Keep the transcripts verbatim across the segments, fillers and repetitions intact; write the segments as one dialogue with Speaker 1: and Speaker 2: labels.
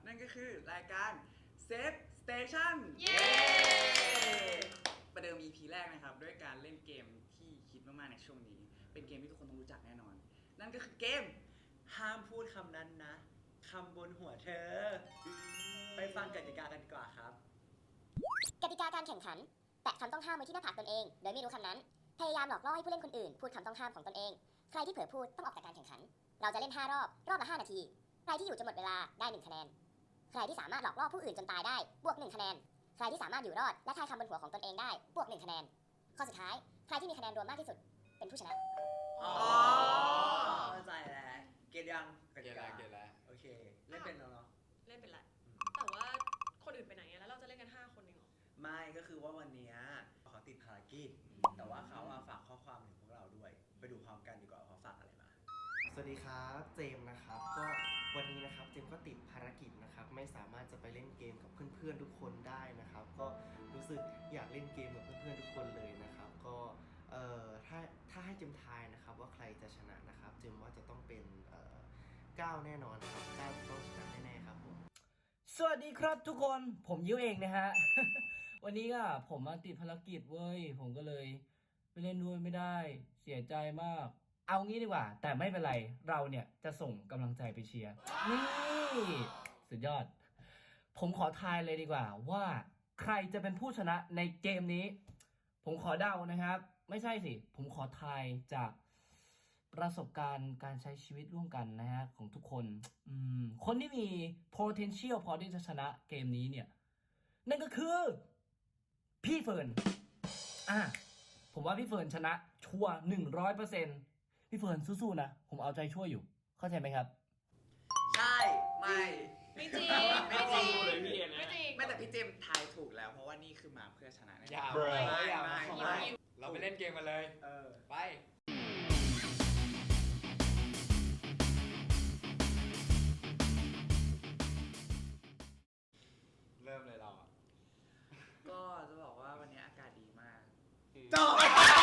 Speaker 1: นั่นก็คือรายการ Safe Station
Speaker 2: เย้
Speaker 1: ประเดิม อี พี แรกนะครับด้วยการเล่นเกมที่คิดมากๆในช่วงนี้เป็นเกมที่ทุกคนต้องรู้จักแน่นอนนั่นก็คือเกม
Speaker 3: ห้ามพูดคำนั้นนะคำบนหัวเธอ ไปฟังกติกากันดีกว่าครับ
Speaker 4: กติกาการแข่งขันแตะคำต้องห้ามไว้ที่หน้าผากตนเองโดยไม่รู้คำนั้นพยายามหลอกล่อให้ผู้เล่นคนอื่นพูดคำต้องห้ามของตนเองใครที่เผลอพูดต้องออกจากการแข่งขันเราจะเล่นห้ารอบรอบละห้านาทีใครที่อยู่จนหมดเวลาได้หนึ่งคะแนนใครที่สามารถหลอกล่อผู้อื่นจนตายได้บวกหนึ่งคะแนนใครที่สามารถอยู่รอดและทายคำบนหัวของตนเองได้บวกหนึ่งคะแนนข้อสุดท้ายใครที่มีคะแนนรวมมากที่สุดเป็นผู้ชนะ
Speaker 3: อ๋อเข้าใจแล้วเกตยังก
Speaker 5: เก
Speaker 3: ติ
Speaker 5: ล
Speaker 3: กา
Speaker 5: แล้วเกลแล้ว
Speaker 3: โอเคเล่นเป็นแล้วเนาะ
Speaker 2: เล่นเป็นไรแต่ว่าคนอื่นไปไหนอะแล้วเราจะเล่นกันห้าคนเองเหรอ
Speaker 3: ไม่ก็คือว่าวันนี้เขาติดภารกิจแต่ว่าเขาอะฝากข้อความถึงพวกเราด้วยไปดูพร้อมกันดีกว่าเขาฝากอะไรมา
Speaker 6: สวัสดีครับเจมส์นะครับก็วันนี้นะครับเจมส์ก็ติดภารกิจนะครับไม่สามารถจะไปเล่นเกมกับเพื่อนๆทุกคนได้นะครับก็รู้สึกอยากเล่นเกมกับเพื่อนๆทุกคนเลยนะครับก็เอ่อถ้าถ้าให้เจมส์ทายนะครับว่าใครจะชนะนะครับเจมส์ว่าจะต้องเป็นเอ่อก้าวแน่นอนครับก้าวต้องชนะแน่ๆครับผม
Speaker 7: สวัสดีครับทุกคนผมยิ้วเองนะฮะ วันนี้ก็ผมมาติดภารกิจเว้ยผมก็เลยไปเล่นด้วยไม่ได้เสียใจมาก เอางี้ดีกว่า แต่ไม่เป็นไรเราเนี่ยจะส่งกำลังใจไปเชียร์นี่สุดยอด ผมขอทายเลยดีกว่าว่าใครจะเป็นผู้ชนะในเกมนี้ ผมขอเดานะครับ ไม่ใช่สิผมขอทายจากประสบการณ์การใช้ชีวิตร่วมกันนะฮะของทุกคนอืมคนที่มี potential พอที่จะชนะเกมนี้เนี่ยนั่นก็คือพี่เฟิร์นอ่ะผมว่าพี่เฟิร์นชนะชัวร์หนึ่งร้อยเปอร์เซ็นต์พี่เฟิร์นสู้ๆนะผมเอาใจช่วยอยู่เข้าใจไหมครับ
Speaker 3: ใช่ไม่
Speaker 2: ไม่จริง
Speaker 1: ไม่จริง
Speaker 2: ไม่จริงไม่จริง
Speaker 1: ไม่แต่พี่เจมส์ทายถูกแล้วเพราะว่านี่คือมาเพื่อชนะแน่
Speaker 5: อย่า
Speaker 1: ไม่
Speaker 5: ไม่
Speaker 1: ไม่
Speaker 5: อย่า
Speaker 1: ไม่
Speaker 5: ไม่
Speaker 1: ไม่
Speaker 5: เราไปเล่นเกมกันเลย
Speaker 3: เออ
Speaker 5: ไป เริ่มเลยเราอ่ะ
Speaker 1: ก็จะบอกว่าวันนี้อากาศดีมาก
Speaker 3: จบ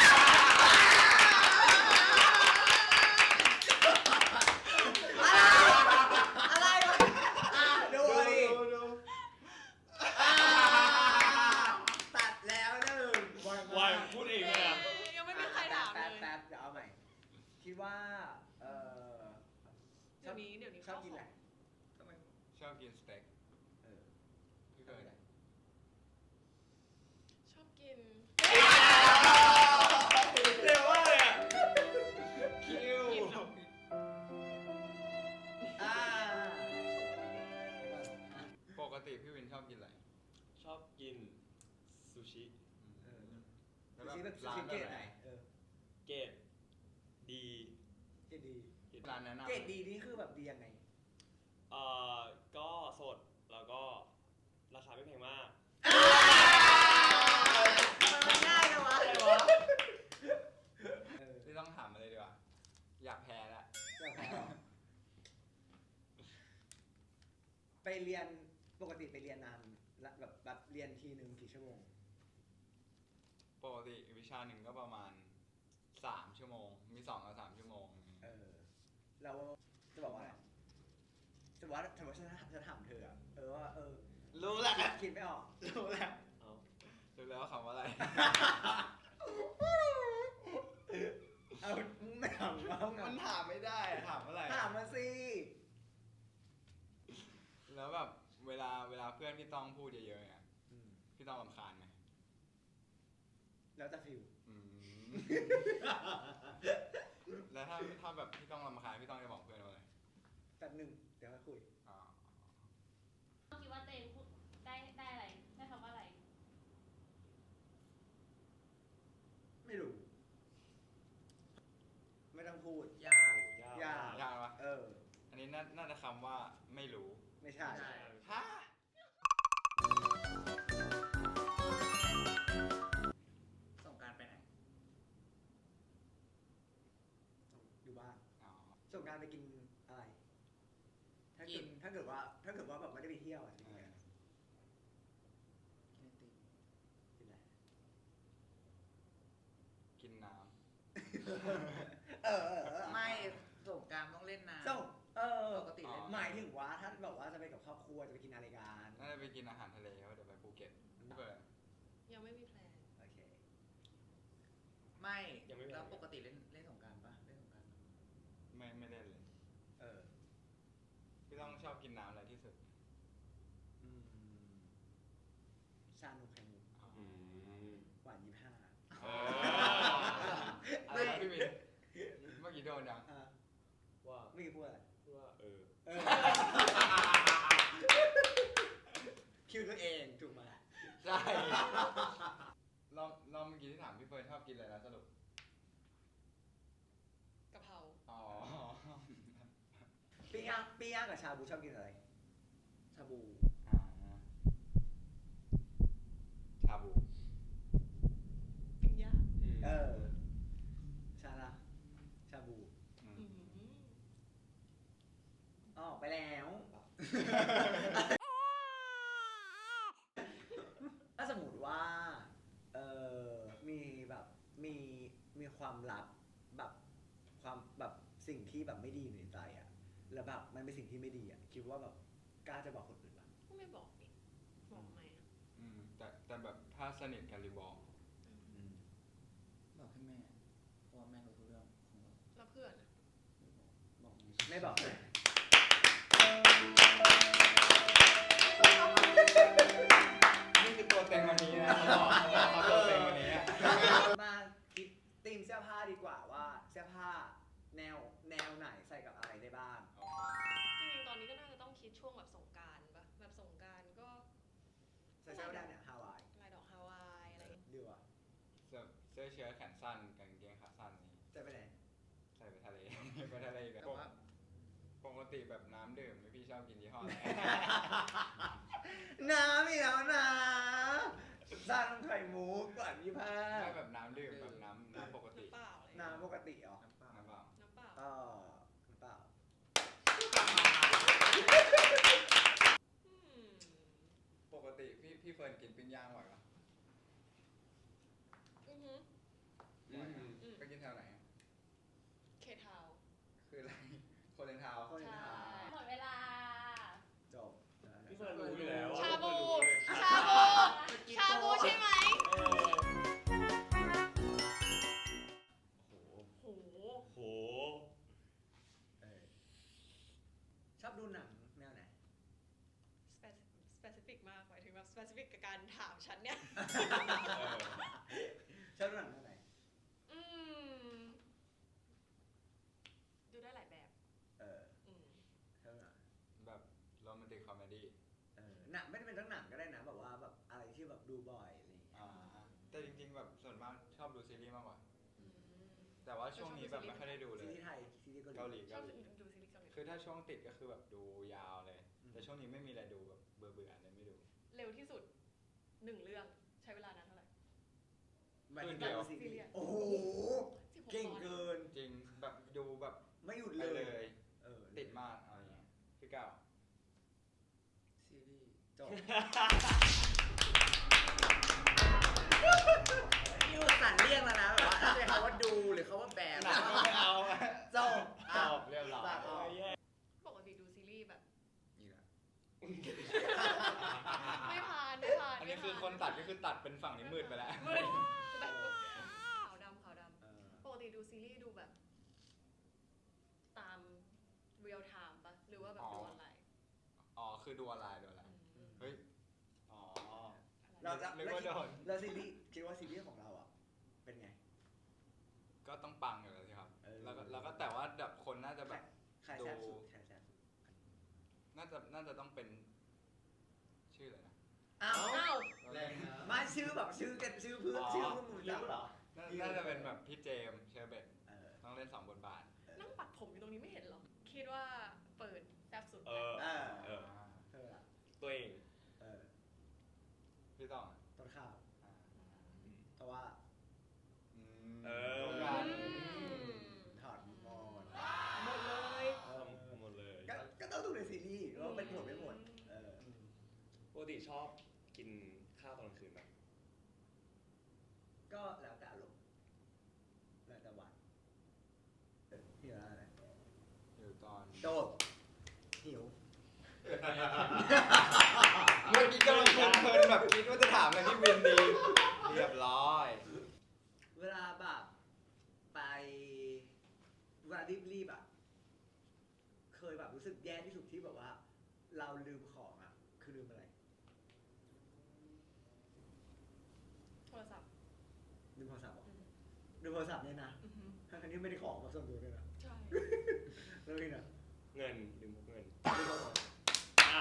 Speaker 3: อะไรวะอ่ะดูดิ
Speaker 5: ดู
Speaker 3: ตัดแล้วหนึ่ง
Speaker 5: วายพูดเองเลยอ่ะ
Speaker 2: ยังไม่มีใครถามเล
Speaker 3: แป๊บ
Speaker 2: ย
Speaker 3: แป๊บเดี๋ยวเอาใหม่ คิดว่าเออ
Speaker 2: เดี๋ยวนี้เดี๋ยวนี้
Speaker 3: ชอบกินอะไร
Speaker 1: ทำไม
Speaker 5: ชอบกินสเต็ก
Speaker 3: เออ
Speaker 5: พี่เกิด
Speaker 2: ชอบกิน
Speaker 5: เร็วมากเลยอ่ะคิว
Speaker 2: กินเหรอ
Speaker 3: อ่า
Speaker 5: ปกติพี่วินชอบกินอะไร
Speaker 8: ชอบกินซูชิ
Speaker 3: เออ
Speaker 5: แล้ว
Speaker 3: ซูชิแบบซู
Speaker 5: ร้า
Speaker 3: ชิ
Speaker 5: น
Speaker 3: เกร
Speaker 5: แบ
Speaker 3: ด
Speaker 5: บ
Speaker 3: ไห
Speaker 5: ไห
Speaker 3: น
Speaker 5: น
Speaker 3: เออ
Speaker 8: เกรดดี
Speaker 3: เกรดดี
Speaker 5: ร้านแนะนำ
Speaker 3: เกรดดีนี่คือแบบดียังไง
Speaker 8: เอ่อก็สดแล้วก็ราคาไม่แพงมาก
Speaker 3: มันง่ายเลยวะ เออ
Speaker 5: ที่ต้องถามมาเลยดีกว่า อยากแพ้แล้ว
Speaker 3: เดี๋ยวแพ้เหรอไปเรียนปกติไปเรียนนานละแบบแบบเรียนทีหนึ่งกี่ชั่วโมง
Speaker 5: ปกติวิชาหนึ่งก็ประมาณสามชั่วโมง มีสองกับสามชั่วโมง
Speaker 3: เออแล้วจะบอกว่าอะไรจะบอกว่าสมมติฉันจะถามเธออะเออว่าเออ
Speaker 5: รู้แล้ว
Speaker 3: คิดคิดไม่ออก
Speaker 5: รู้แล้ว
Speaker 8: เอา
Speaker 5: รู้แล้วว่าคำว่าอะไร
Speaker 3: เอาไม่ถามว่าไง
Speaker 5: มันถามไม่ได้อะถามอะไร
Speaker 3: ถามมาสิ
Speaker 5: แล้วแบบเวลาเวลาเพื่อนพี่ต้องพูดเยอะๆเนี่ย
Speaker 3: อืม
Speaker 5: พี่ต้องรำคาญไหม
Speaker 3: แล้วแต่ฟิว
Speaker 5: อืม แล้วถ้าถ้าแบบพี่ต้องรำคาญพี่ต้องจะบอกเพื่อนว่าอะไร
Speaker 3: แต่หนึ่งเดี๋ยวค่อยคุย
Speaker 5: อ๋อ
Speaker 9: คิดว่าตัวเองพูดได้ได้อะไรได้คำว่าอะไร
Speaker 3: ไม่รู้ ไม่ต้องพูด
Speaker 1: ยาก
Speaker 8: ยาก
Speaker 3: ยาก
Speaker 5: ยากปะ
Speaker 3: เออ
Speaker 5: อันนี้น่าน่าจะคำว่าไม่รู้
Speaker 3: ไม่ใช่
Speaker 1: ใช่
Speaker 5: ฮะ
Speaker 1: สงกรารไปไหน
Speaker 3: อยู่บ้าน
Speaker 5: อ๋อ
Speaker 3: ส่งกรารไปกินอะไร ถ้าเกิดถ้าเกิดว่า ถ้าเกิดว่าแบบไม่ได้ไปเที่ยวอะจริง
Speaker 5: เออ
Speaker 1: กินไอติม
Speaker 3: ๆกินอะไร
Speaker 5: กินน้
Speaker 3: เออเออเออ
Speaker 1: ไม่สงกรารต้องเล่นน้ำ
Speaker 3: ส่งเออ
Speaker 1: ปกติเล่น
Speaker 3: หมายถึงว่าถ้าแบบว่าจะไปกับครอบครัวรัวจะไปกินอะไรกัน
Speaker 5: น่าจะไปกินอาหารทะเลเพราะเดี๋ยวไปภูเก็ตพี่เปิด
Speaker 2: ยังไม่มีแพลน
Speaker 3: โอเค
Speaker 1: ไม่
Speaker 8: ยังไม่มี
Speaker 1: แล้วปกติเล่นเล่นสงกรานต์ปะเล่นสงกรานต์
Speaker 5: ไม่ไม่เล่นเลย
Speaker 3: เออ
Speaker 5: พี่ต้องชอบกินน้ำอะไรที่สุด
Speaker 3: อืมชานมไข่มุก
Speaker 8: อืม
Speaker 3: หวานยี่ห้า
Speaker 5: เอออะไรนะพี่วินเมื่อกี้โดนยัง
Speaker 3: อ่ะ
Speaker 8: ว่า
Speaker 3: ไม่อกี้พูดอะไร
Speaker 8: ว่าเออ
Speaker 3: เออ คิวตัวเองถูกไหม
Speaker 5: ใช่รอบรอบเมื่อกี้ที่ถามพี่เฟิร์นชอบกินอะไรนะสรุป
Speaker 2: กะเพรา
Speaker 5: อ๋อ
Speaker 3: ปิ้งย่างปิ้งย่างกับชาบูชอบกินอะไร
Speaker 1: ชาบู
Speaker 5: อ่าชาบู
Speaker 2: ปิ้งย่าง
Speaker 3: เออ ชาละชาบู
Speaker 5: อืม
Speaker 2: อืม
Speaker 3: อ๋อไปแล้ว ถ้าสมมติว่า เออมีแบบ มี มีความลับ แบบ ความ แบบ สิ่งที่แบบไม่ดีอยู่ในใจอะแล้วแบบ มันเป็นสิ่งที่ไม่ดีอะคิดว่าแบบ กล้าจะบอกคนอื่นปะ
Speaker 2: ก็ไม่บอกดิบอกไหมอะ
Speaker 5: อืมแต่แต่แบบถ้าสนิทกันรีบอก
Speaker 3: อืม
Speaker 1: บอกให้แม่เพราะว่าแม่รู้ทุกเรื่องของเรา
Speaker 2: แล้วเพื่อนอะ
Speaker 1: บอก
Speaker 3: ไม่บอกเลย
Speaker 5: นี่คือตัวเต็งวันนี้นะเขาบอกเขาตัวเต็งวันนี้อะ
Speaker 3: มาคิดธีมเสื้อผ้าดีกว่าว่าเสื้อผ้าแนวแนวไหนใส่กับอะไรได้บ้าง
Speaker 2: จริงๆตอนนี้ก็น่าจะต้องคิดช่วงแบบสงกรานต์ปะแบบสงกรานต์ก็
Speaker 3: ใส่เสื้อผ้าเนี่ยฮาวาย
Speaker 2: ลายดอกฮาวายอะไรอย่างเงี้ย
Speaker 3: ดีว่ะ
Speaker 5: เสื้อเสื้อเชิ้ตแขนสั้นกางเกงขาสั้นนี่
Speaker 3: ใส่ไปไหน
Speaker 5: ใส่ไปทะเล ไปทะเลกัน
Speaker 1: แต่ว่า
Speaker 5: ปกติแบบน้ำดื่มพี่ชอบกินยี่ห้ออะไร
Speaker 3: น้ำอีกแล้วนะด้านไข่มุกก่อนยี่ห้า
Speaker 5: ไม่แบบน้ำดื่มแบบน้ำน้ำปกติ
Speaker 2: น้ำเปล่าอะไรอย่างเงี้ย
Speaker 3: น้ำปกติเหรอ
Speaker 1: น้ำเปล่า
Speaker 5: น้ำเปล่า
Speaker 2: น้ำเปล่า
Speaker 3: เออน้ำเปล่า
Speaker 2: อืม
Speaker 5: ปกติพี่พี่เฟิร์นกินปิ้งย่างบ่อยปะ
Speaker 2: อือหือ
Speaker 5: บ่อยนะ
Speaker 2: อืม
Speaker 5: ไปกินแถวไหน
Speaker 2: เคทาวน์
Speaker 5: คืออะไร โคเรนทาวน์
Speaker 3: คน
Speaker 2: ใช่
Speaker 3: ถาม
Speaker 9: หมดเวลา
Speaker 3: จบ
Speaker 8: พี่เฟิร์นรู้อยู่แล้วอะ
Speaker 2: ชาบู
Speaker 8: ชา
Speaker 2: ชาบู ชาบูใช่ไหม
Speaker 8: เออ
Speaker 2: โห
Speaker 8: โห
Speaker 3: เออชอบดูหนังแนวไหน
Speaker 2: specific มากหมายถึงแบบ specific กับการถามฉันเนี่ย
Speaker 3: ชอบดูหนังแนวไหน
Speaker 2: อืม ดูได้หลายแบบ
Speaker 3: เออ
Speaker 2: อืม
Speaker 3: ชอบดูหนัง
Speaker 5: แบบโรแมนติกคอมเมดี้
Speaker 3: เออหนังไม่ได้เป็นทั้งหนังก็ได้นะแบบว่าแบบอะไรที่แบบดูบ่อยอะไรอย่างเงี้ย
Speaker 5: อ่าแต่จริงๆแบบส่วนมากชอบดูซีรีส์มากกว่า
Speaker 2: อืม
Speaker 5: แต่ว่าช่วงนี้แบบไม่ค่อยได้ดูเล
Speaker 3: ซี
Speaker 5: ย
Speaker 3: รีส์ไทยซีรีส์
Speaker 5: เกา
Speaker 3: เกา
Speaker 5: ห
Speaker 3: ห
Speaker 5: ลี
Speaker 3: ลี
Speaker 2: ชอบ
Speaker 5: เกาหลี
Speaker 2: ดูซีรีส์เกาหลี
Speaker 5: คือถ้าช่วงติดก็คือแบบดูยาวเลย
Speaker 3: อืม
Speaker 5: แต่ช่วงนี้ไม่มีอะไรดูแบบเบื่อเบื่อๆเลยไม่ดู
Speaker 2: เร็วที่สุดหนึ่งเรื่องใช้เวลานานเท่าไหร่
Speaker 3: หมายถึง
Speaker 5: เดี๋ยว
Speaker 3: ซีรี
Speaker 2: ซีรีส์
Speaker 3: ส์โอ้โห
Speaker 2: สิบหก
Speaker 3: เก่ง
Speaker 2: ตอน
Speaker 3: เกิน
Speaker 5: จริงแบบดูแบบ
Speaker 3: ไม่หยุด
Speaker 5: ไป
Speaker 3: เล
Speaker 5: เลย ย
Speaker 3: เออ
Speaker 5: ติดมากอะไรอย่างเงี้ยพี่ก้าว
Speaker 1: ซีรีส์
Speaker 3: จบ
Speaker 1: นี่อุตส่าห์เลี่ยงแล้วนะแบบว่าถ้าเป็นคำว่าดูหรือคำว่าแบน
Speaker 5: หนังก็ไม่เอา
Speaker 3: จบ
Speaker 5: จบเรียบร้อย
Speaker 3: ตัดออก
Speaker 2: ปกติดูซีรีส์แบบ
Speaker 1: นี่แหละ
Speaker 2: ไม่ผ่านไม่ผ่าน
Speaker 5: อันนี้คือคนตัดก็คือตัดเป็นฝั่งนี้มืดไปแล้ว
Speaker 2: มืดแบบขาวดำขาวด
Speaker 3: เออ
Speaker 2: ำปกติดูซีรีส์ดูแบบ ตามเรียลไทม์ปะหรือว่าแบบดูออนไลน์
Speaker 5: อ๋อคือดูออนไลน์ดูออนไลน์
Speaker 2: อืม
Speaker 5: เฮ้ยอ๋อ
Speaker 3: เราจะ
Speaker 5: นึกว่าโดน
Speaker 3: แล้วซีรีส์คิดว่าซีรีส์ของเราอ่ะ เป็นไง
Speaker 5: ก็ต้องปังอยู่แล้วสิครับ
Speaker 3: เออ
Speaker 5: แล้วก็แล้วก็แต่ว่าแบบคนน่าจะแบบ
Speaker 3: ใครแซ่บสุดใครแซ่บสุด
Speaker 5: น่าจะน่าจะต้องเป็นชื่ออะไรนะ
Speaker 3: อ้าว
Speaker 2: อ้าว
Speaker 8: แรงนะ
Speaker 3: มาชื่อแบบชื่อกันชื่อเพื่อน
Speaker 5: อ๋อ
Speaker 3: ชื่อเพื่อนมึงจับเหรอ
Speaker 5: น่าน่าจะเป็นแบบพี่เจมส์เชอร์เบต
Speaker 3: เออ
Speaker 5: ต้องเล่นสองบทบาท
Speaker 2: นั่งปัดผมอยู่ตรงนี้ไม่เห็นเหรอ คิดว่าเปิดแซ่บสุด
Speaker 8: เออ
Speaker 3: เออ
Speaker 8: เออ
Speaker 3: เธอละ
Speaker 8: ตัวเอง
Speaker 3: เออ
Speaker 5: พี่ต้องอ่ะ
Speaker 3: ต้นข้าว
Speaker 5: อ่า
Speaker 3: เพราะว่า
Speaker 5: อืม
Speaker 8: เออ
Speaker 5: โอกาส
Speaker 3: ถอดหมด
Speaker 2: หมดเลย
Speaker 3: เออ
Speaker 8: ทำหมดเลย
Speaker 3: ก็ก็ต้องดูในซีรีส์ว่าเป็นผลไม่หมดเออ
Speaker 8: ปกติชอบกินข้าวตอนกลางคืนไหม
Speaker 3: ก็แล้วแต่อารมณ์แล้วแต่วันเออหิวอะไร
Speaker 5: อยู่ตอน
Speaker 3: โดดหิว
Speaker 5: ามเลยพี่วินดีเรียบร้อย
Speaker 3: เวลาแบบไปเวลารีบๆอ่ะเคยแบบรู้สึกแย่ที่สุดที่แบบว่า เราลืมของอ่ะคือลืมอะไร
Speaker 2: โทรศัพท์
Speaker 3: ลืมโทรศัพท์เหรอ
Speaker 2: อืม
Speaker 3: ลืมโทรศัพท์เนี่ยนะ
Speaker 2: อือหือ
Speaker 3: ทั้งๆที่ไม่ได้ของมาส่วนตัวด้วยนะ
Speaker 2: ใช่
Speaker 3: แล้วนี่นะ
Speaker 8: เงินลืมพกเงิน
Speaker 3: ลืมโทรศัพท์
Speaker 8: อ้าว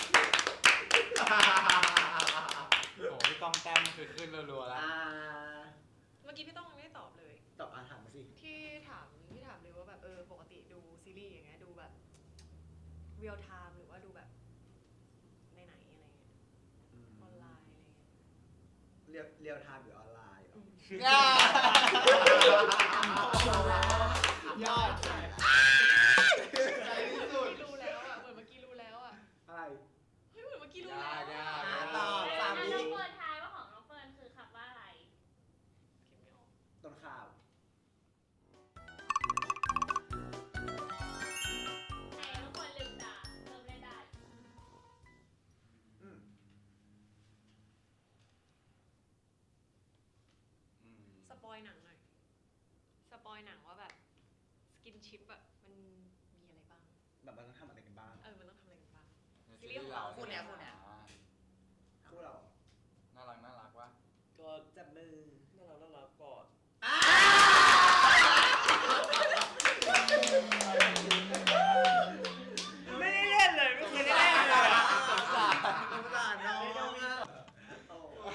Speaker 5: โอ้โหพี่ต้องแต้มคือขึ้นรัวๆแล้ว
Speaker 3: อ่า
Speaker 2: เมื่อกี้พี่ต้องยังไม่ได้ตอบเลย
Speaker 3: ตอบอาถามมาสิ
Speaker 2: ที่ถามที่ถามเลยว่าแบบเออปกติดูซีรีส์อย่างเงี้ยดูแบบเรียลไทม์หรือว่าดูแบบในไหนอะไรเงี้ยออนไลน์อะไรเงี้ย
Speaker 3: เรียลเรียลไทม์หรือออนไลน์เหรอ
Speaker 5: ยอดใจที่สุด
Speaker 2: รู้แล้วอ่ะเหมือนเมื่อกี้รู้แล้วอ่ะ
Speaker 3: อะไร
Speaker 2: เฮ้ยเหมือนเมื่อกี้รู้
Speaker 5: ยา
Speaker 2: แล้ว
Speaker 5: กยาก
Speaker 3: อ่ะ
Speaker 5: ยาก
Speaker 3: ตอบ
Speaker 9: แล้ว
Speaker 3: สาม
Speaker 9: น้
Speaker 3: วิ
Speaker 9: องเฟิร์นทายว่าของน้องเฟิร์นคือคำว่าอะไร
Speaker 2: คิดไม่ออก
Speaker 3: ต้นข้าว
Speaker 9: แต่ทุกคนลืมตาเริ่มเล่นได้
Speaker 3: อืม
Speaker 5: อืม
Speaker 2: สปอยหนังหน่อยสปอยหนังว่าแบบสกินชิปอะมันมีอะไรบ้าง
Speaker 3: แบบมันต้องทำอะไรกันบ้าง
Speaker 2: เออมันต้องทำอะไรกันบ้าง
Speaker 5: ใน
Speaker 2: ซีรีส์ของเรา
Speaker 1: คู่เนี้ยคู่เนี้ย
Speaker 5: อ่า
Speaker 3: คู่เรา
Speaker 5: น่ารักน่ารักวะ
Speaker 8: ก็
Speaker 3: จับมือ
Speaker 8: น่ารักน่ารักก่อน ไม่ได้เล่นเลยไม่เคยได้เล่นเลย
Speaker 3: สงสารสงสารน้องอ่ะโอ้โห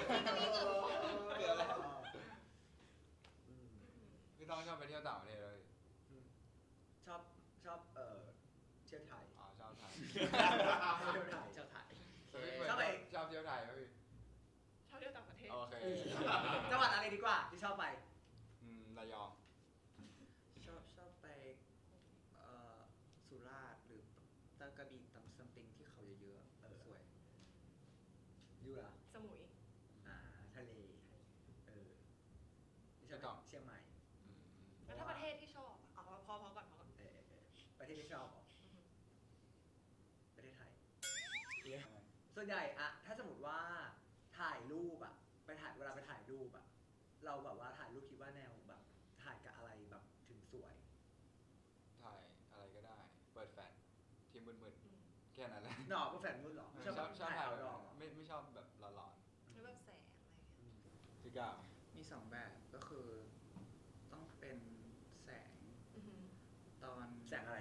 Speaker 5: พี่ต้องชอบไปเที่ยวต่างประเทศเลย
Speaker 3: ชอบชอบเอ่อเที่ยวไทย
Speaker 5: อ๋อชอบไทย
Speaker 3: เที่ยวไทย
Speaker 1: เจ้าถ่าย
Speaker 5: แล้วพี่เฟิร์น
Speaker 3: ชอบไป
Speaker 5: ชอบเที่ยวไทยไหมพี่
Speaker 2: ชอบเที่ยวต่างประเทศ
Speaker 5: โอเค
Speaker 3: จังหวัดอะไรดีกว่าที่ชอบไป
Speaker 5: อืมระยอง
Speaker 1: ชอบชอบไปเอ่อสุราษฎร์หรือตะกระบี่ตำซัมติงที่เขาเยอะๆ
Speaker 3: เออ
Speaker 1: สวย
Speaker 3: ยูล่ะ
Speaker 2: สมุย
Speaker 3: อ่าทะเลเออไม่ชอบเชียงใหม่
Speaker 5: อืมอืม
Speaker 2: แล้วถ้าประเทศที่ชอบอะเอาพอพอก่อนพอก่อน
Speaker 3: เออเออประเทศที่ชอบเหรอ
Speaker 2: อือหือ
Speaker 3: ประเทศไทย ส่วนใหญ่อะถ้าสมมติว่าถ่ายรูปอะไปถ่ายเวลาไปถ่ายรูปอะเราแบบว่าถ่ายรูปคิดว่าแนวแบบถ่ายกับอะไรแบบถึงสวย
Speaker 5: ถ่ายอะไรก็ได้ เปิดแฟลชที่มืด
Speaker 2: อืม
Speaker 5: ๆแค่นั้นแหละ
Speaker 3: หนอกก็แฟนมืดเหรอ
Speaker 5: ชอบชอบชอบถ่าย
Speaker 3: เอา
Speaker 5: แบบ
Speaker 3: ดอก
Speaker 5: ไม่ไม่ชอบแบบหลอน
Speaker 2: แล้วแบบแสงอะไรเงี้ย
Speaker 5: ๆพี่ก้าว
Speaker 1: มีสองแบบก็คือต้องเป็นแสง
Speaker 2: อือหือ
Speaker 1: ตอน
Speaker 3: แสงอะไร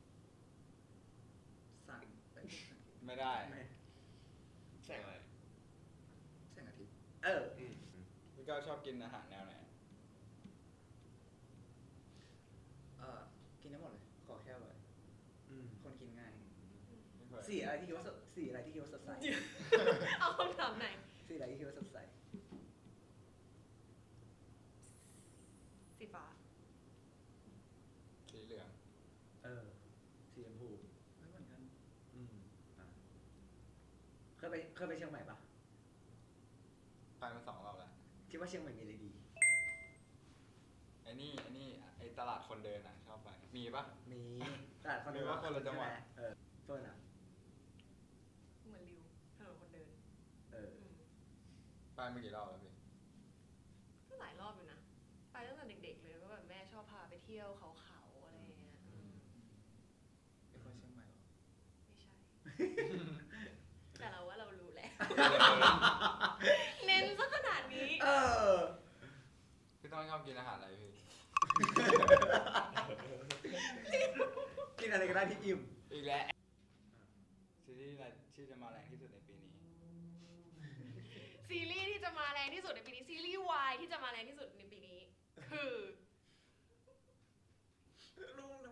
Speaker 1: สั่นเอ้ย
Speaker 5: ไม่ได้
Speaker 3: ไม่
Speaker 8: แสงอะไร
Speaker 1: แสงอาทิตย์
Speaker 3: เออ
Speaker 8: อืม
Speaker 5: พี่ก้าวชอบกินอาหารแนวไหน
Speaker 1: เอ่อกินได้หมดเลย ขอแค่อร่อย
Speaker 3: อืม
Speaker 1: คนกินง่าย
Speaker 5: พี่เฟิร์น
Speaker 3: สีอะไรที่คิดว่าสดสีอะไรที่คิดว่าสดใส
Speaker 2: เอาคำถามไหน
Speaker 3: สีอะไรที่คิดว่าสดใส
Speaker 2: สีฟ้า
Speaker 5: สีเหลือง
Speaker 3: เออสีชมพู
Speaker 1: ไม่เหมือนกัน
Speaker 3: อืมอ่ะเคยไปเคยไปเชียงใหม่ปะ
Speaker 5: ไปมาสองรอบแล้ว
Speaker 3: คิดว่าเชียงใหม่มีอะไรดี
Speaker 5: ไอ้นี่ไอ้นี่ไอ้ตลาดคนเดินอ่ะชอบไป มีปะ
Speaker 3: มีตลาดคอน
Speaker 5: หรือว่าคนละจังหวัด
Speaker 3: ใช่ไมเออเฟิร์นอ่ะ
Speaker 2: เหมือนริวถนนคนเดิน
Speaker 3: เออ
Speaker 2: อืม
Speaker 5: ไปมากี่รอบแล้วพี่
Speaker 2: ก็หลายรอบอยู่นะ ไปตั้งแต่เด็กๆเลยก็แบบแม่ชอบพาไปเที่ยวเขาเขาๆอะไรอย่างเงี้ยอืม
Speaker 1: เป็นคนเชียงใหม่เหรอ
Speaker 2: ไม่ใช่ แต่เราว่าเรารู้แล้ว เน้นซะขนาดนี้
Speaker 3: เออ
Speaker 5: พี่ต้องชอบกินอาหารอะไรพี่
Speaker 3: กินอะไรก็ได้ที่อิ่ม
Speaker 5: อีกแล้วซีรีส์อะไรที่จะมาแรงที่สุดในปีนี้
Speaker 2: ซีรีส์ที่จะมาแรงที่สุดในปีนี้ ซีรีส์วายที่จะมาแรงที่สุดในปีนี้ คือ
Speaker 3: ลุงนะ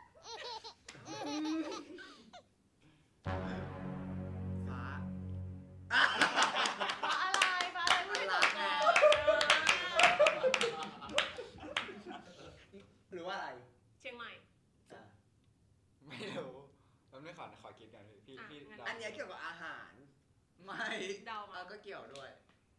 Speaker 1: ฟ้า
Speaker 2: ฟ้าอะไรฟ้าอะไรพูดให้จบก่อน
Speaker 3: หรือว่าอะไร
Speaker 2: เชียงใหม่
Speaker 3: อ่ะ
Speaker 5: ไม่รู้แป๊บนึงขอขอคิดกันพี่พี่
Speaker 2: อ่ะ
Speaker 5: พี่
Speaker 2: งั้น
Speaker 5: เดา
Speaker 3: อันเนี้ยเกี่ยวกับอาหาร
Speaker 1: ไม่
Speaker 2: เดามา
Speaker 1: เออก็เกี่ยวด้วย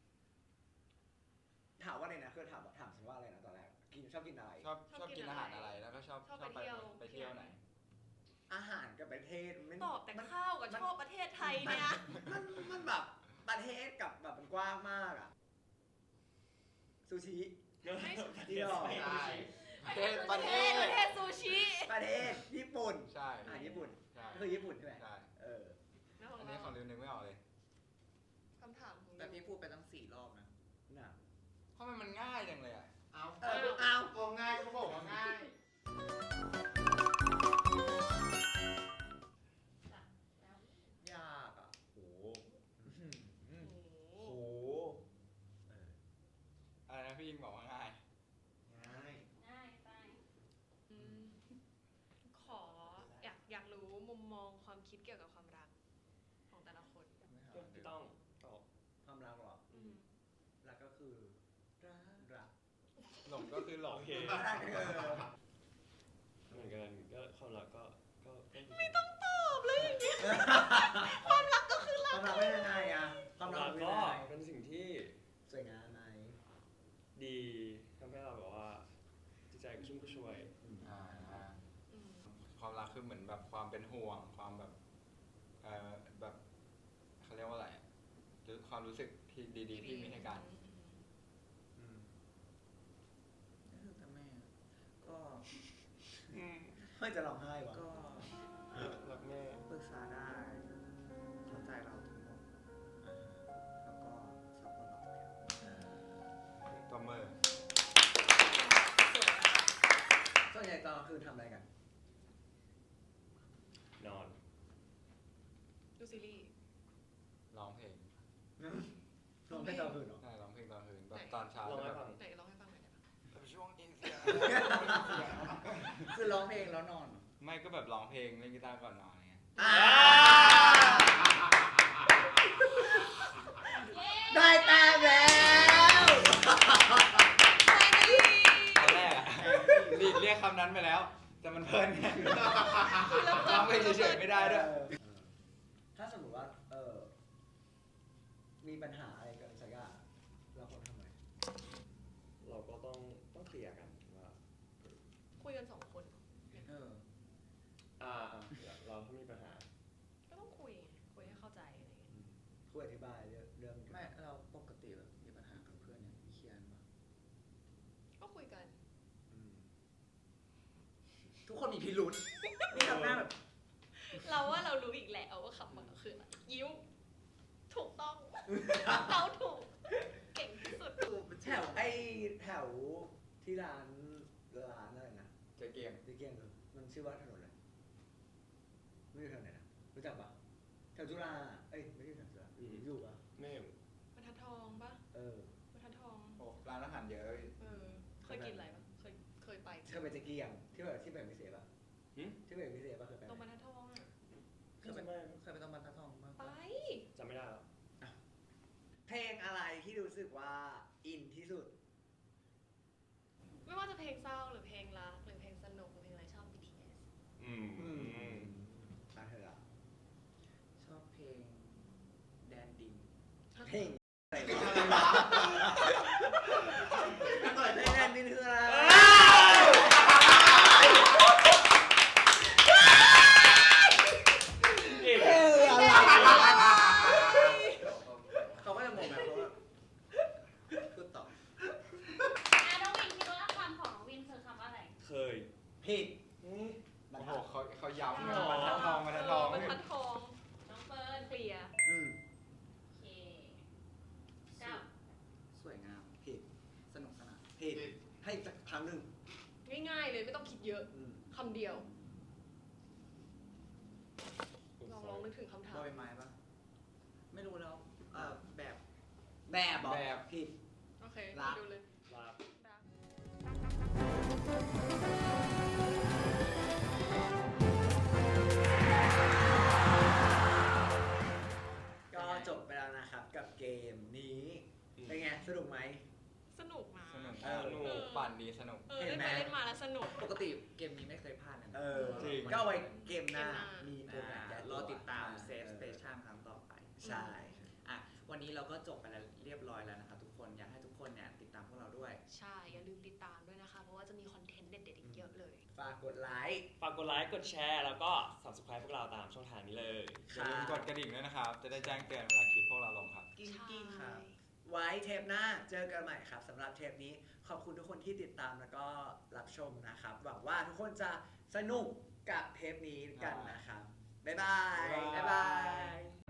Speaker 3: ถามว่าอะไรนะคือถามถามฉันว่าอะไรนะตอนแรก กินชอบกินอะไร
Speaker 5: ชอบชอบกินอาหารอะไรแล้วก็ชอบ
Speaker 2: ชอบ
Speaker 5: ชอบ
Speaker 2: ไปเที่ยว
Speaker 5: ไปเที่ยวไหน
Speaker 3: อาหารกับประเทศมัน
Speaker 2: ตอบแต่
Speaker 3: มัน
Speaker 2: ข้าวกับชอบประเทศไทยเนี่ย
Speaker 3: มันมันแบบประเทศกับแบบมันกว้างมากอ่ะซูชิ
Speaker 2: ไม่
Speaker 3: ที่หรอ
Speaker 5: ใช่
Speaker 9: ประเทศ
Speaker 5: ประเทศ
Speaker 2: ประเทศซูชิ
Speaker 3: ประเทศญี่ปุ่น
Speaker 5: ใช่
Speaker 3: อ่าญี่ปุ่น
Speaker 5: ใช่
Speaker 3: ก็คือญี่ปุ่นใช่ไหม
Speaker 5: ใช่
Speaker 3: เออ
Speaker 2: แล้วข
Speaker 5: อั
Speaker 2: อน ง
Speaker 5: นี้
Speaker 2: เรา
Speaker 5: ของริวนึงไม่ออกเลย
Speaker 2: คำถามของ
Speaker 1: แต่
Speaker 2: ริ
Speaker 1: พี่
Speaker 2: ว
Speaker 1: พูดไปตั้งสี่รอบนะ
Speaker 3: น่ะ
Speaker 5: ทำไมมันง่ายจังเลยอ่ะ
Speaker 6: เอา
Speaker 3: เออเอา
Speaker 6: ก็ง่ายเขาบอกว่าง่าย
Speaker 3: ยากอ่ะ
Speaker 8: โห
Speaker 3: อืม
Speaker 2: โอ้
Speaker 8: โห
Speaker 5: อะไรนะพี่ยิงบอกว่าง่าย
Speaker 6: ง่าย
Speaker 9: ง่ายไป
Speaker 2: อืมขออยากอยากรู้มุมมองความคิดเกี่ยวกับความรักของแต่ละคน
Speaker 8: พี่ต้องตอบ
Speaker 3: ความรักเหรอ
Speaker 2: อืม
Speaker 3: รักก็คือรักรัก
Speaker 5: หลงก็คือหลง
Speaker 8: โอเค
Speaker 3: รักเออ
Speaker 8: เหมือนกันก็ความรักก็ก็ก็
Speaker 2: ไม่ต้องตอบเลยอย่างเงี้ย
Speaker 3: ความรักเป็นยังไงอ่ะความ
Speaker 8: ความ
Speaker 3: รั
Speaker 8: รั
Speaker 3: ก
Speaker 8: ก
Speaker 3: เป็น
Speaker 8: ก็
Speaker 3: ยังไง
Speaker 8: เป็นสิ่งที่
Speaker 3: สวยงามไหม
Speaker 8: ดีทำให้เราแบบว่าจิตใจกระชุ่มกระชวย
Speaker 5: อ่า
Speaker 2: อืม
Speaker 5: ความรักคือเหมือนแบบความเป็นห่วง ความแบบเอ่อแบบเขาเรียกว่าอะไรอะหรือความรู้สึกที่ดีๆที่มีให้กัน
Speaker 3: อืม
Speaker 1: แต่แม่ก็
Speaker 3: ไม่จะร้องไห้วะ
Speaker 1: ก็
Speaker 8: รักแม่
Speaker 1: ปรึกษาได้เข้าใจเราทั้งหมดอ่าแล้วก็ซัพพอร์ตเราทุกอย่าง
Speaker 5: ตัวเมอร์
Speaker 3: ส่วนใหญ่ตอนกลางคืนทำอะไรกัน
Speaker 8: นอน
Speaker 2: ดูซีรีส์
Speaker 5: ร้องเพลง
Speaker 3: ร้องเพลงตอนกลางคืนเหรอ
Speaker 5: ใช่ร้องเพลงตอนคืนแบบตอนเช้า
Speaker 8: ลอง
Speaker 5: แบ
Speaker 8: ให้
Speaker 5: บ
Speaker 8: ฟัง
Speaker 2: ไหนร้องให้ฟังหน่อยได้ปะ
Speaker 5: แบบช่วงอินเสียง
Speaker 1: คือร้องเพลงแล้วนอน
Speaker 5: ไม่ก็แบบร้องเพลงเล่นกีตาร์ก่อนนอนไง
Speaker 3: อ่า
Speaker 9: เย้
Speaker 3: ได้แต้มแล้ว
Speaker 5: ตอนแรกอะหลีกเรียกคำนั้นไปแล้ว แต่มันเพลินไงร้องเพลงเฉยๆไม่ได้ด้วย
Speaker 3: เออถ้าสมมติว่า เออ มีปัญหาอะไรกันสักอย่างเราควรทำไง
Speaker 8: เราก็ต้องต้องเคลียร์กันว่า
Speaker 2: คุยกันสองคน
Speaker 1: เออ
Speaker 8: อ่าอ่าเราถ้ามีปัญหา
Speaker 2: ก็ต้องคุยไงคุยให้เข้าใจอะไรอย่างเงี้ย
Speaker 3: คุยอธิบายเรื่องเรื่อง
Speaker 1: ไม่เราปกติแบบมีปัญหากับเพื่อนเนี่ยเคลียร์กันปะ
Speaker 2: ก็คุยกัน
Speaker 3: อืม
Speaker 1: ทุกคนมีพิรุษนี่ทำหน้าแบบ
Speaker 2: เราว่าเรารู้อีกแล้วว่าคำมันคืออะไรยิ้วถูกต้อง เราถูก เก่งที่สุด
Speaker 3: แถวไอ้แถวที่ร้านร้านอะไรนะ
Speaker 5: เจ๊เกียง
Speaker 3: ที่เกียงคือมันชื่อว่าถนนอะไรไม่ใช่แถวไหนนะรู้จักปะแถวจุฬาเอ้ยไม่ใช่แถวจุฬา
Speaker 8: อืม
Speaker 3: อยู่ปะ
Speaker 8: แม่
Speaker 2: บรรทัดทองปะ
Speaker 3: เออบ
Speaker 2: รรทัดทอง
Speaker 5: โอ้ร้านอาหารเยอะ
Speaker 2: เออ เคยกินอะไรปะเคย เคยไป
Speaker 3: เคยไปเจ๊เกียงที่แบบที่แบบพิเศษปะ
Speaker 8: หึ
Speaker 3: ที่แบบพิเศษปะเคยไป
Speaker 2: ตรงบ
Speaker 3: ไห
Speaker 2: ร
Speaker 3: ม
Speaker 2: รทัดทองอ่ะ
Speaker 1: เคยไปเคยไปตรงบรรทัดทองบ้าง
Speaker 2: ไป
Speaker 1: ปะ
Speaker 8: จำไม่ได้แล้ว
Speaker 3: เพลงอะไรที่รู้สึกว่าอินที่สุด
Speaker 2: ไม่ว่าจะเพลงเศร้าหรือเพลงรักหรือเพลงสนุกหรือเพลงอะไรชอบ บี ที เอส
Speaker 8: อืม
Speaker 3: อื
Speaker 8: อื
Speaker 3: ม
Speaker 8: ม
Speaker 3: ตาเธออะ
Speaker 1: ชอบเพลงแดนดิน
Speaker 3: เพลงอะไรวะเพลงนั้นนี่คืออะไร
Speaker 8: เอก
Speaker 3: เอออะไร
Speaker 1: เขาก็จะงงแบบเขาว่าพูดต่อ
Speaker 9: อ่ะน้องวินคิดว่าคำของน้องวินคือคำว่าอะไร
Speaker 8: เคย
Speaker 3: ผิด
Speaker 5: โอ้โหเขาเขาย้ำเลย
Speaker 8: อ๋อ
Speaker 5: บรรทัดทองบรรทัดทอง
Speaker 2: บรรทัดทอง
Speaker 9: น้องเฟิร์น
Speaker 2: เคลียร์
Speaker 3: อืม
Speaker 9: โอเคเก้า
Speaker 1: สวยงาม
Speaker 3: ผิด
Speaker 1: สนุกสนาน
Speaker 3: ผิดให้อีกสักครั้งหนึ่ง
Speaker 2: ง่ายๆเลยไม่ต้องคิดเยอะ
Speaker 3: อืม
Speaker 2: คำเดียว ลองลองนึกถึงคำถาม
Speaker 1: บอยไม้ปะไม่รู้แล้วเอ่อแบบ
Speaker 3: แบบเหรอ
Speaker 5: แบบ
Speaker 3: ผิด
Speaker 2: โอเค
Speaker 3: รัก
Speaker 2: ดูเลย
Speaker 8: ลาบ
Speaker 2: รัก
Speaker 3: ก็จบไปแล้วนะครับกับเกมนี้ เป็นไง สนุกไหม
Speaker 2: สนุกนะ
Speaker 5: สนุก
Speaker 3: เออ
Speaker 5: สนุกปั่นดีสนุก
Speaker 2: เออ
Speaker 3: เห็
Speaker 2: เล่
Speaker 3: น
Speaker 2: น
Speaker 3: ไหม
Speaker 2: ไปเล่นมาแล้วสนุก
Speaker 1: ปกติเกมนี้ไม่เคยพลาดเลยนะ
Speaker 3: เออ
Speaker 5: จริง
Speaker 3: ก็เอาไว้เกมหน้า
Speaker 2: เกมหน้ามี
Speaker 3: มีตัวแบบแก้
Speaker 1: รอติดตาม
Speaker 3: ออ
Speaker 1: เซฟสเตชันครั้งต่อไป
Speaker 3: ใช่
Speaker 1: อ่ะ วันนี้เราก็จบไปแล้วเรียบร้อยแล้วนะครับทุกคน อยากให้ทุกคนเนี่ยติดตามพวกเราด้วย
Speaker 2: ใช่ อย่าลืมติดตามด้วยนะคะ เพราะว่าจะมีคอนเทนต์เด็ดๆอีกเยอะเลย
Speaker 3: ฝากกดไลค์
Speaker 8: ฝากกดไลค์ กดแชร์ แล้วก็ subscribe พวกเราตามช่องทางนี้เลย
Speaker 5: อย่าลืมกดกระดิ่งด้วยนะครับ จะได้แจ้งเตือนเวลาคลิปพวกเราลงครับ
Speaker 1: กิ้งกิ้งครับ
Speaker 2: ใช่
Speaker 3: ไว้เทปหน้าเจอกันใหม่ครับสำหรับเทปนี้ขอบคุณทุกคนที่ติดตามแล้วก็รับชมนะครับ หวังว่าทุกคนจะสนุกกับเทปนี้กันนะครับ บ๊ายบาย
Speaker 1: บ๊ายบาย